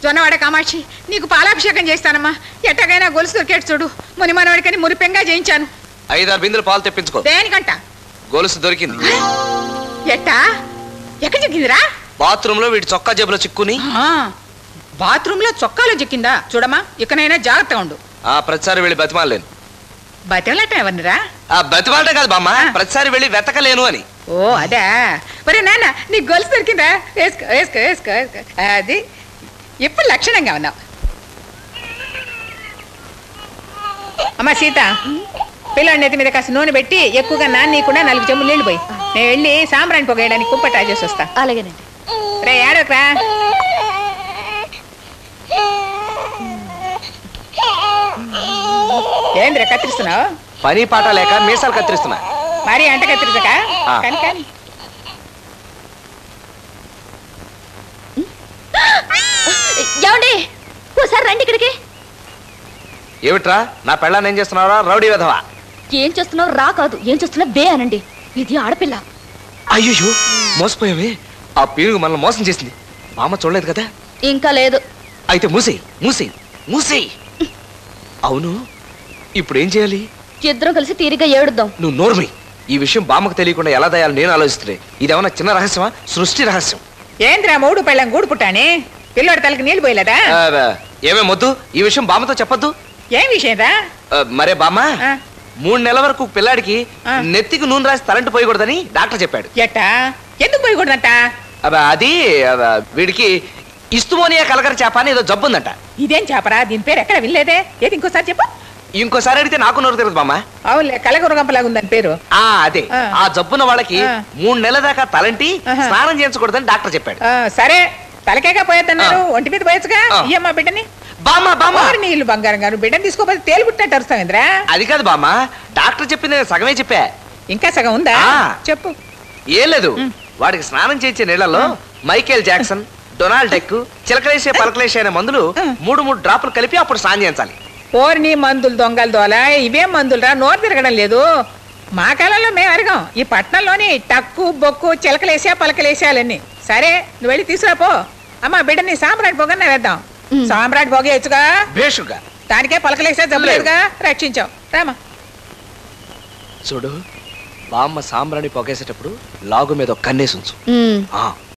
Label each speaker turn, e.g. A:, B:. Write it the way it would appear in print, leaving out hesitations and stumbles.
A: జొన్నవాడ కామాక్షి, నీకు పాలాభిషేకం చేస్తానమ్మా. ఎట్టగైనా గొలుసు దొరికేట్టు చూడు. ముని మనవాడికని మురిపెంగా చేయించాను.
B: 5-6 బిందెలు పాలు తెప్పించుకో.
A: దేనికంట?
B: గొలుసు దొరికింది.
A: ఎట్టా? ఎక్కడ చిక్కిందిరా?
B: బాత్రూమ్ లో వీడి చొక్కా జేబులో చిక్కుని.
A: బాత్రూమ్ లో చొక్కాలో చిక్కిందా? చూడమ్మా, ఇకనైనా జాగ్రత్తగా ఉండు.
B: ప్రతిసారి వెళ్ళి బతిమాలేను.
A: బతిమలట ఎవరినిరా?
B: బతిమాలటే కాదు బామ్మ, ప్రతిసారి వెళ్ళి వెతకలేను అని.
A: ఓ అదా. మరి నాన్న, నీకు గొలుసు దొరికిందా? వేసుకో వేసుకో వేసుకో వేసుకో. అది ఎప్పుడు లక్షణంగా ఉన్నావు. అమ్మా సీత, పిల్లాడి నెత్తి మీద కాస్త నూనె పెట్టి ఎక్కువగా నాన్నీయకుండా 4 చెంబులు నీళ్ళు పోయి. నేను వెళ్ళి సాంబ్రాణి పొగేయడానికి కుప్ప ట్రై చేసి వస్తా.
C: అలాగేనండి.
A: రే ఏడోకరా. ఏంద్రా కత్తిరిస్తున్నావు?
B: పని పాట లేక మీసాలు కత్తిరిస్తున్నా.
A: మరి అంట కత్తిరించక కానీ కానీ.
C: ఏమండి, ఓసారి రండి ఇక్కడికి.
B: ఏమిట్రా, నా పెళ్ళాన్ని ఏం చేస్తున్నారా రౌడీ వెధవా?
C: ఏం చేస్తున్నావు రా కాదు, ఏం చేస్తున్నా బే అనండి. ఇది ఆడపిల్ల.
B: అయ్యో మోసపోయావే. ఆ పీరుగు మనల్ని మోసం చేసింది. మామ చూడలేదు కదా?
C: ఇంకా లేదు.
B: అయితే మూసేయి మూసేయి మూసేయి. అవును, ఇప్పుడు ఏం చేయాలి?
C: ఇద్దరం కలిసి తీరిగా ఏడుద్దాం.
B: నువ్వు నోర్మి. ఈ విషయం బామ్మకు తెలియకుండా ఎలా దయాలి నేను ఆలోచిస్తున్నాయి. ఇదేమన్నా చిన్న రహస్యమా? సృష్టి రహస్యం.
A: ఏంద్రా మూడు పెళ్ళం గూడు పుట్టాని? పిల్లోడి తలకి నీళ్ళు పోయలేదా?
B: ఏమే మొద్దు, ఈ విషయం బామ్మతో చెప్పొద్దు.
A: ఏం విషయం రా?
B: మరే బామ్మ, 3 నెలల వరకు పిల్లాడికి నెత్తికి నూనె రాసి తలంటి పోయకూడదని డాక్టర్ చెప్పాడు.
A: ఎట్టా? ఎందుకు పోయకూడదంట?
B: అది వీడికి ఇస్తుమోనియా కలగర చేప అని ఏదో జబ్బు ఉందంట.
A: ఇదేం చేపరా? దీని పేరు ఎక్కడ వినలేదే. ఏది ఇంకోసారి చెప్పు.
B: ఇంకోసారి అడిగితే నాకు నోరు తిరగదు బామ్మ.
A: అవునులే, కలగురగంపలాగా ఉందని పేరు.
B: అదే ఆ జబ్బున్న వాళ్ళకి 3 నెలల దాకా తలంటి స్నానం చేయించకూడదని డాక్టర్ చెప్పాడు.
A: సరే, తలకేగా పోయేద్దన్నారు, ఒంటి మీద పోయొచ్చుగా. ఇయ్యమ్మా బిడ్డని.
B: బామ్మ బామ్మ,
A: నీళ్ళు బంగారం గారు, బిడ్డని తీసుకోపోతే తేలిపుట్టినట్టు అరుస్తావేంద్రా?
B: అది కాదు బామ్మ, డాక్టర్ చెప్పింది నేను సగమే చెప్పా.
A: ఇంకా సగం ఉందా? చెప్పు.
B: ఏం లేదు, వాడికి స్నానం చేయించే నీళ్లలో మైకేల్ జాక్సన్, డొనాల్డ్ డెక్, చిలకలేసే పలకలేసే అనే మందులు 3 డ్రాపులు కలిపి అప్పుడు స్నానం చేయించాలి.
A: ఓర్ని మందులు దొంగలు దోల, ఇవేం మందులురా? నోరు తిరగడం లేదు. మా కాలంలో మేము అరగం. ఈ పట్నంలోని టక్కు బొక్కు చిలకలేసా పలకలేసాలన్నీ. సరే, నువ్వు వెళ్ళి తీసుకురాపో. అమ్మా బిడ్డని సాంబ్రాట్ పొగన్నా వేద్దాం. సాంబ్రాట్ పొగేయచ్చుగా.
B: భేషుగా.
A: దానికే పలకలేసా జబ్బులేదుగా, రక్షించావు. రామా
B: చూడు, బామ్మ సాంబ్రాణి పొగేసేటప్పుడు లాగు మీద కన్నేసి ఉంచు.